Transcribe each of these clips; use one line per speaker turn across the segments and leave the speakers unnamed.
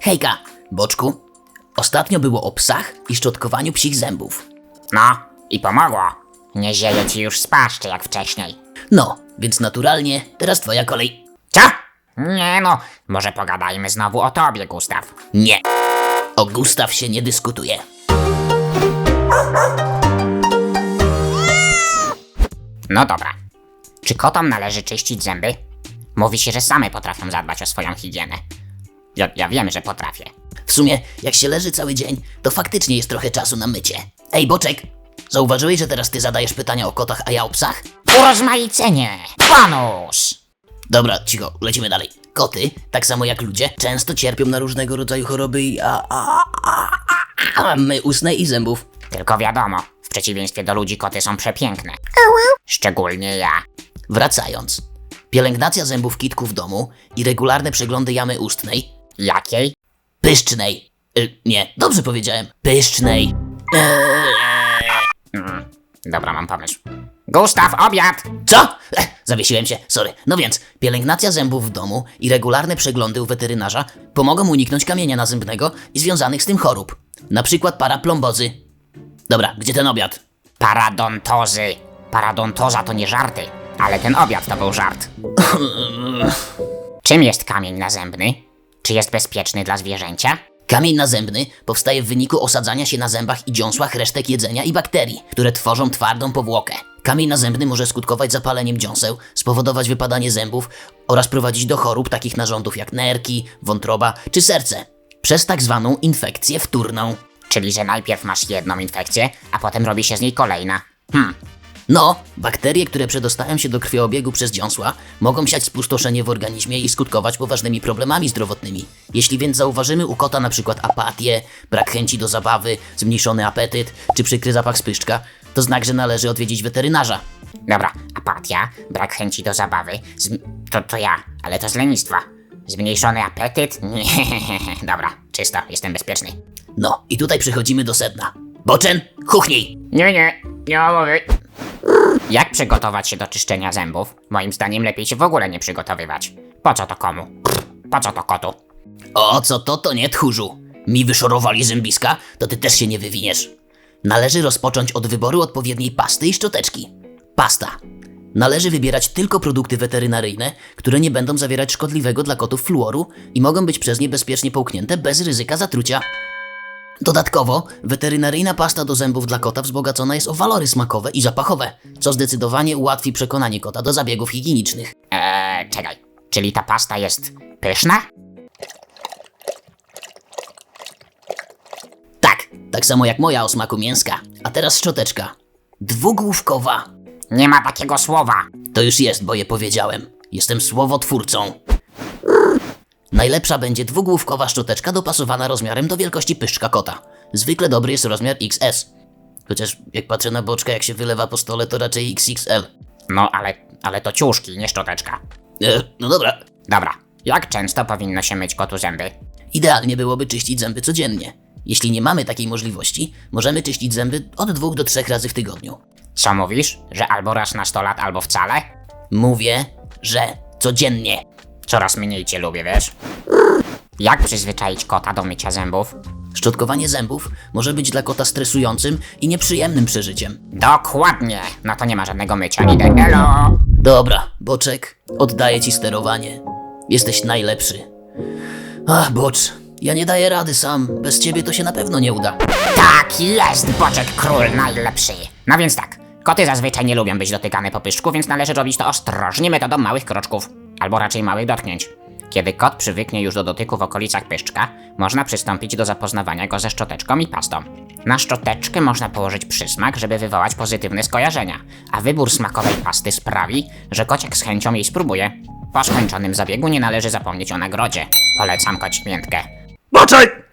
Hejka, Boczku. Ostatnio było o psach i szczotkowaniu psich zębów.
No, i pomogło. Nie zieje ci już z paszczy jak wcześniej.
No, więc naturalnie teraz twoja kolej.
Co? Nie no, może pogadajmy znowu o tobie, Gustaw.
Nie. O Gustaw się nie dyskutuje.
No dobra. Czy kotom należy czyścić zęby? Mówi się, że same potrafią zadbać o swoją higienę. Ja wiem, że potrafię.
W sumie, jak się leży cały dzień, to faktycznie jest trochę czasu na mycie. Ej, Boczek, zauważyłeś, że teraz ty zadajesz pytania o kotach, a ja o psach?
Urozmaicenie! Bonus!
Dobra, cicho, lecimy dalej. Koty, tak samo jak ludzie, często cierpią na różnego rodzaju choroby i my ustnej i zębów.
Tylko wiadomo, w przeciwieństwie do ludzi koty są przepiękne. Szczególnie ja.
Wracając. Pielęgnacja zębów kitków w domu i regularne przeglądy jamy ustnej.
Jakiej?
Pyszcznej. Nie, dobrze powiedziałem. Pyszcznej.
Dobra, mam pomysł. Gustaw, obiad!
Co? Zawiesiłem się, sorry. No więc, pielęgnacja zębów w domu i regularne przeglądy u weterynarza pomogą uniknąć kamienia nazębnego i związanych z tym chorób. Na przykład paraplombozy. Dobra, gdzie ten obiad?
Paradontozy. Paradontoza to nie żarty, ale ten obiad to był żart. Czym jest kamień nazębny? Czy jest bezpieczny dla zwierzęcia?
Kamień nazębny powstaje w wyniku osadzania się na zębach i dziąsłach resztek jedzenia i bakterii, które tworzą twardą powłokę. Kamień nazębny może skutkować zapaleniem dziąseł, spowodować wypadanie zębów oraz prowadzić do chorób takich narządów jak nerki, wątroba czy serce. Przez tak zwaną infekcję wtórną.
Czyli, że najpierw masz jedną infekcję, a potem robi się z niej kolejna.
No, bakterie, które przedostają się do krwiobiegu przez dziąsła, mogą siać spustoszenie w organizmie i skutkować poważnymi problemami zdrowotnymi. Jeśli więc zauważymy u kota np. apatię, brak chęci do zabawy, zmniejszony apetyt czy przykry zapach spyszczka, to znak, że należy odwiedzić weterynarza.
Dobra, apatia, brak chęci do zabawy, to ja, ale to z lenistwa. Zmniejszony apetyt? Nie, dobra, czysto, jestem bezpieczny.
No, i tutaj przechodzimy do sedna. Boczek, chuchnij!
Nie ma mowy. Jak przygotować się do czyszczenia zębów? Moim zdaniem lepiej się w ogóle nie przygotowywać. Po co to komu? Po co to kotu?
O, co to nie, tchórzu. Mi wyszorowali zębiska, to ty też się nie wywiniesz. Należy rozpocząć od wyboru odpowiedniej pasty i szczoteczki. Pasta. Należy wybierać tylko produkty weterynaryjne, które nie będą zawierać szkodliwego dla kotów fluoru i mogą być przez nie bezpiecznie połknięte bez ryzyka zatrucia. Dodatkowo, weterynaryjna pasta do zębów dla kota wzbogacona jest o walory smakowe i zapachowe, co zdecydowanie ułatwi przekonanie kota do zabiegów higienicznych.
Czekaj, czyli ta pasta jest pyszna?
Tak samo jak moja o smaku mięska. A teraz szczoteczka. Dwugłówkowa.
Nie ma takiego słowa.
To już jest, bo je powiedziałem. Jestem słowotwórcą. Najlepsza będzie dwugłówkowa szczoteczka dopasowana rozmiarem do wielkości pyszczka kota. Zwykle dobry jest rozmiar XS. Chociaż jak patrzę na Boczka, jak się wylewa po stole, to raczej XXL.
No, ale to ciuszki, nie szczoteczka.
No dobra.
Dobra, jak często powinno się myć kotu zęby?
Idealnie byłoby czyścić zęby codziennie. Jeśli nie mamy takiej możliwości, możemy czyścić zęby od 2 do 3 razy w tygodniu.
Co mówisz? Że albo raz na 100 lat, albo wcale?
Mówię, że codziennie.
Coraz mniej cię lubię, wiesz? Jak przyzwyczaić kota do mycia zębów?
Szczotkowanie zębów może być dla kota stresującym i nieprzyjemnym przeżyciem.
Dokładnie! No to nie ma żadnego mycia, idę. Elo!
Dobra, Boczek, oddaję ci sterowanie. Jesteś najlepszy. Ach, Bocz, ja nie daję rady sam. Bez ciebie to się na pewno nie uda.
Tak jest, Boczek Król najlepszy. No więc tak, koty zazwyczaj nie lubią być dotykane po pyszczku, więc należy robić to ostrożnie metodą małych kroczków. Albo raczej małych dotknięć. Kiedy kot przywyknie już do dotyku w okolicach pyszczka, można przystąpić do zapoznawania go ze szczoteczką i pastą. Na szczoteczkę można położyć przysmak, żeby wywołać pozytywne skojarzenia, a wybór smakowej pasty sprawi, że kociak z chęcią jej spróbuje. Po skończonym zabiegu nie należy zapomnieć o nagrodzie. Polecam kocimiętkę.
Boczek!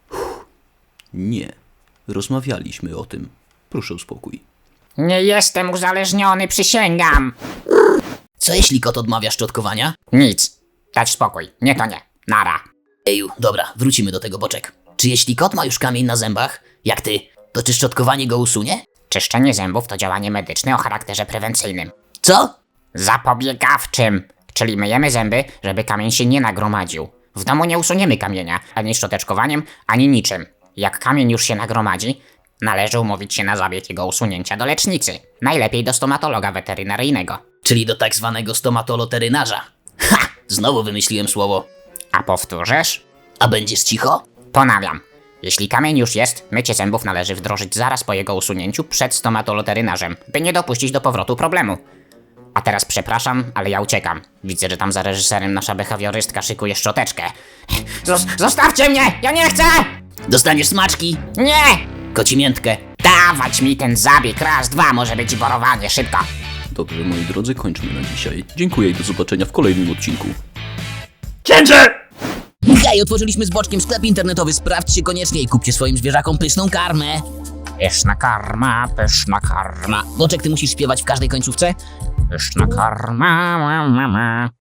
Nie, rozmawialiśmy o tym. Proszę o spokój.
Nie jestem uzależniony, przysięgam!
Co jeśli kot odmawia szczotkowania?
Nic. Dać spokój. Nie to nie. Nara.
Eju, dobra, wrócimy do tego, Boczek. Czy jeśli kot ma już kamień na zębach, jak ty, to czy szczotkowanie go usunie?
Czyszczenie zębów to działanie medyczne o charakterze prewencyjnym.
Co?
Zapobiegawczym. Czyli myjemy zęby, żeby kamień się nie nagromadził. W domu nie usuniemy kamienia, ani szczoteczkowaniem, ani niczym. Jak kamień już się nagromadzi, należy umówić się na zabieg jego usunięcia do lecznicy. Najlepiej do stomatologa weterynaryjnego.
Czyli do tak zwanego stomatoloterynarza. Ha! Znowu wymyśliłem słowo.
A powtórzysz?
A będziesz cicho?
Ponawiam. Jeśli kamień już jest, mycie zębów należy wdrożyć zaraz po jego usunięciu przed stomatoloterynarzem, by nie dopuścić do powrotu problemu. A teraz przepraszam, ale ja uciekam. Widzę, że tam za reżyserem nasza behawiorystka szykuje szczoteczkę. Zostawcie mnie! Ja nie chcę!
Dostaniesz smaczki,
Nie!
kocimiętkę.
Dawać mi ten zabieg, raz, dwa, może być i borowanie, szybko.
Dobrze, moi drodzy, kończmy na dzisiaj. Dziękuję i do zobaczenia w kolejnym odcinku.
Hej, otworzyliśmy z Boczkiem sklep internetowy. Sprawdźcie koniecznie i kupcie swoim zwierzakom pyszną karmę.
Pyszna karma, pyszna karma,
Boczek, ty musisz śpiewać w każdej końcówce?
pyszna karma, ma, ma, ma.